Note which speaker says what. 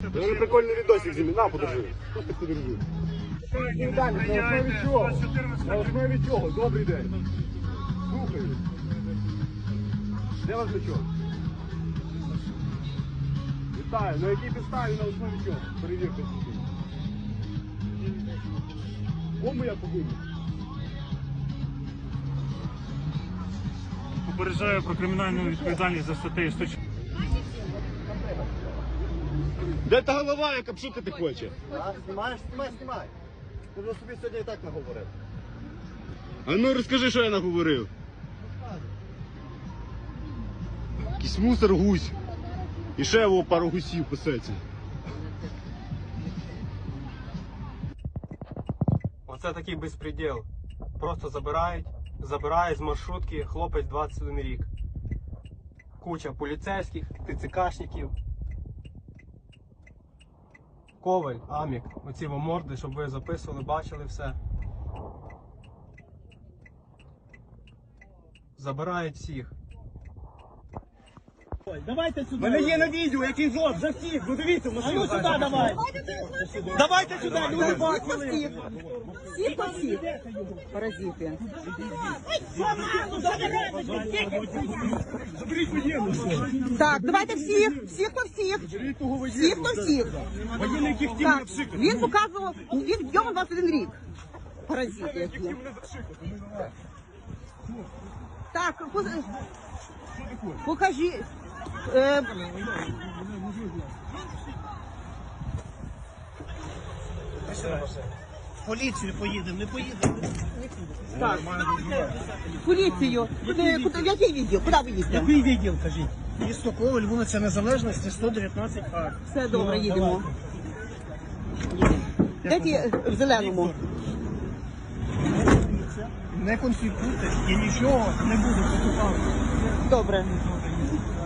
Speaker 1: Я прикольний відосик зімі, на, подержи. Тут ти подержи. Далі, на основі чого? На основі чого? Добрий день. Слухаю. Де ваш бичок? Вітаю. На якій підставі, на основі чого? Перевірте. Кому я повинен?
Speaker 2: Попереджаю про кримінальну відповідальність за статтею 104.
Speaker 1: Де та голова, яка пшутити хоче?
Speaker 3: Знімаєш? Знімай. Ти вже собі сьогодні і так наговорив.
Speaker 1: А ну розкажи, що я наговорив. Якийсь мусор гусь. І ще його пару гусів пасеться.
Speaker 4: Оце такий безпреділ. Просто забирають з маршрутки хлопець 21 рік. Куча поліцейських, ТЦКшників. Коваль, Амік, оці вам морди, щоб ви записували, бачили все. Забирають всіх.
Speaker 5: Давайте сюди.
Speaker 3: Мене є на відео, який жод, за всіх, ну дивіться,
Speaker 5: А ну сюди давай.
Speaker 3: Давайте сюди, люди бачили.
Speaker 6: Всі по всіх. Паразити.
Speaker 3: Заберіть воєнну.
Speaker 6: Так, давайте всіх, всіх по всіх.
Speaker 3: Заберіть того
Speaker 6: Всіх
Speaker 3: воєнну.
Speaker 6: по всіх.
Speaker 3: Воєнний, яких хотів
Speaker 6: Так,
Speaker 3: мене пшикати.
Speaker 6: він показував, він йому 21 рік. Паразити. які.
Speaker 3: Хотів мене запшикати, ну давай.
Speaker 6: Так, покажи.
Speaker 5: Поліцію поїдемо, не поїдемо.
Speaker 6: Так, поліцію. В який відділ? Куди ви їдете?
Speaker 5: Який відділ, кажіть? Місто Коваль, вулиця Незалежності, 119А.
Speaker 6: Все добре, їдемо. Де ті в зеленому?
Speaker 5: Не конфліктуйте і нічого не буде.
Speaker 6: Добре.